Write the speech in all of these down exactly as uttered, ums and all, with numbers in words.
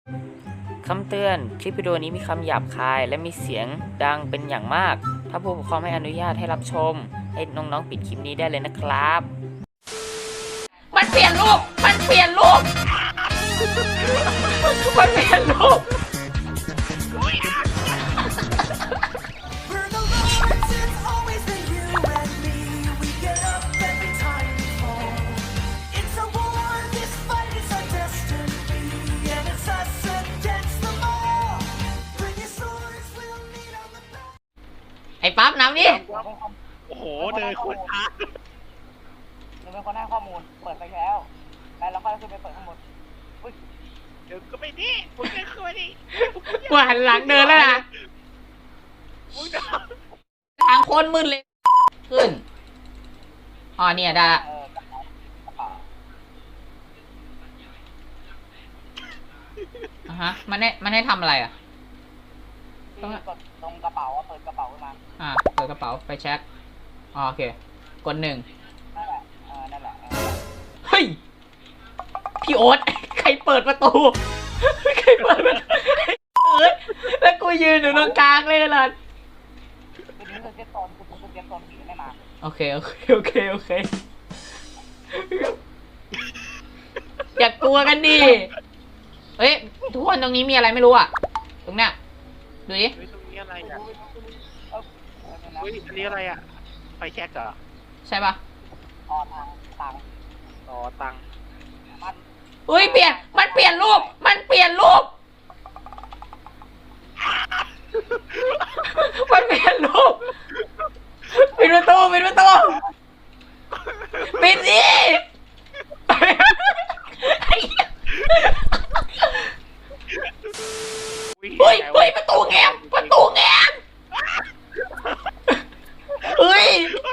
คำเตือนคลิปวิดีโอนี้มีคำหยาบคายและมีเสียงดังเป็นอย่างมากถ้าผู้ปกครองไม่อนุญาตให้รับชมให้น้องๆปิดคลิปนี้ได้เลยนะครับมันเปลี่ยนรูปมันเปลี่ยนรูปมันเปลี่ยนรูปไอ้ปั๊บน้ำนี่โอ้โหเดินคนช้าหนูเป็นคนให้ข้อมูลเปิดไปแล้วแล้วเราก็ขึ้นไปเปิดข้างบนเดี๋ยวก็ไม่ดีผมไม่เคยดิกูหันหลังเดินแล้วนะทางโคตรมืดเลยขึ้นอ๋อเนี่ยได้อ่ะฮะมันให้มันให้ทำอะไรอ่ะต้องกดตรงกระเป๋าเปิดกระเป๋าขึ้นมาอ่าเปิดกระเป๋าไปเช็คอ๋อโอเคกดหนึ่งนั่นแหละเออนั่นแหละเฮ้ยพี่โอ๊ตใครเปิดประตูใครเปิดประตูเอ้ยแล้วกูยืนอยู่ตรงกลางเลยล่ะคือนี่คือเจ็ตโซนคือเจ็ตโซนผีไม่มาโอเคโอเคโอเคโอเคอย่ากลัวกันดิเฮ้ยทุกคนตรงนี้มีอะไรไม่รู้อ่ะตรงเนี้ยดูดิตรงนี้อะไรอ่ะเฮ้ยอันนี้อะไรอ่ะไฟแช็กเหรอใช่ปะอ๋อตังตังอ๋อตังมันเฮ้ยเปลี่ยนมันเปลี่ยนรูปมันเปลี่ยนรูปมันเปลี่ยนรูปปิดประตูปิดประตูปิดสิเฮ้ยเฮ้ยประตูแง้มประตูแง้มเฮ้ย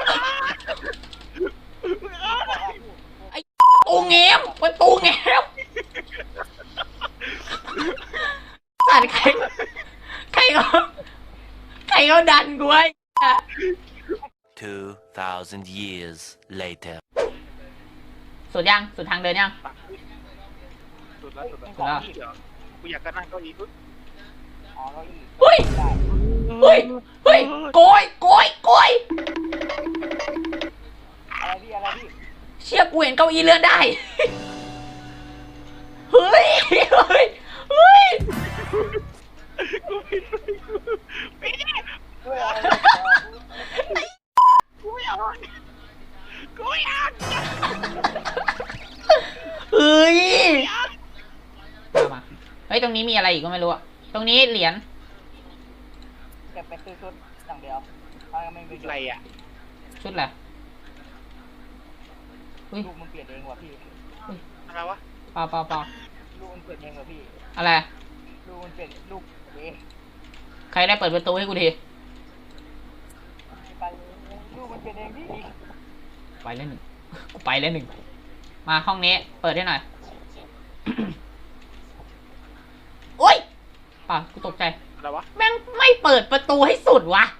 ไอ้ประตูแง้มประตูแง้มสัตว์ใครใครเขาใครเขาดันกูไอ้ two thousand years later สุดยังสุดทางเดินยังสุดแล้วสุดแล้วกูอยากจะนั่งเก้าอี้อ๋อเก้าอี้เฮ้ยเฮ้ยเฮ้ยโกยโกยโกยอะไรพี่อะไรพี่เชี่ยกูเห็นเก้าอี้เลื่อนได้เฮ้ยเฮ้ยเฮ้ยกูผิดไม่ได้กูไม่เอากูไม่เอากูไม่เอาเฮ้ยมาเฮ้ยตรงนี้มีอะไรอีกก็ไม่รู้อะตรงนี้เหรียญเก็บไปซื้อชุดอย่างเดียวไม่มีอะไรอ่ะชุดอะไรลูกมันเปลี่ยนเองว่ะพี่อะไรวะเปล่าเปล่าเปล่าลูกมันเปลี่ยนเองว่ะพี่อะไรลูกมันเปลี่ยนลูกเองใครได้เปิดประตูให้กูทีไปลูกมันเปลี่ยนเองพี่ไปแล้วหนึ่งกูไปแล้วหนึ่งมาห้องนี้เปิดให้หน่อยโอ๊ยป่ะกูตกใจอะไรวะแม่งไม่เปิดประตูให้สุดวะ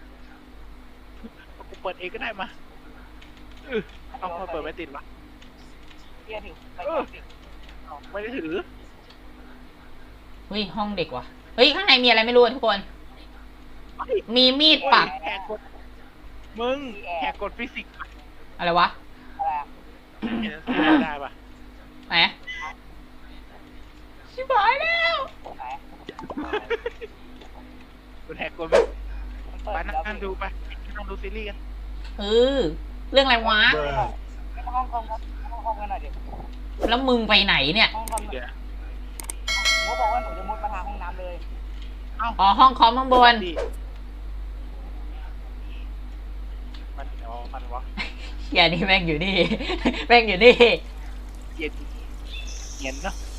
กูเปิดเองก็ได้มาเออเอาเปิดไม่ติดวะเที่ยถือไม่ได้ถือเฮ้ยห้องเด็กว่ะเฮ้ยข้างในมีอะไรไม่รู้ทุกคนมีมีดปักแหกกฎมึงแหกกฎฟิสิกส์อะไรวะอะไรได้ปะไหนชิบหายแล้วกูแหกกฎไปนั่งดูไปนั่งดูซีรีส์กันเออเรื่องอะไรวะห้องคอมครับห้องคอมกันหน่อยดิแล้วมึงไปไหนเนี่ยห้องคอมเขาบอกว่าหนูจะมุดมาทางห้องน้ำเลยอ๋อห้องคอมข้างบนมันอ๋อมันวะอย่านี่แม่งอยู่นี่แม่งอยู่นี่เย็นเย็นเนาะ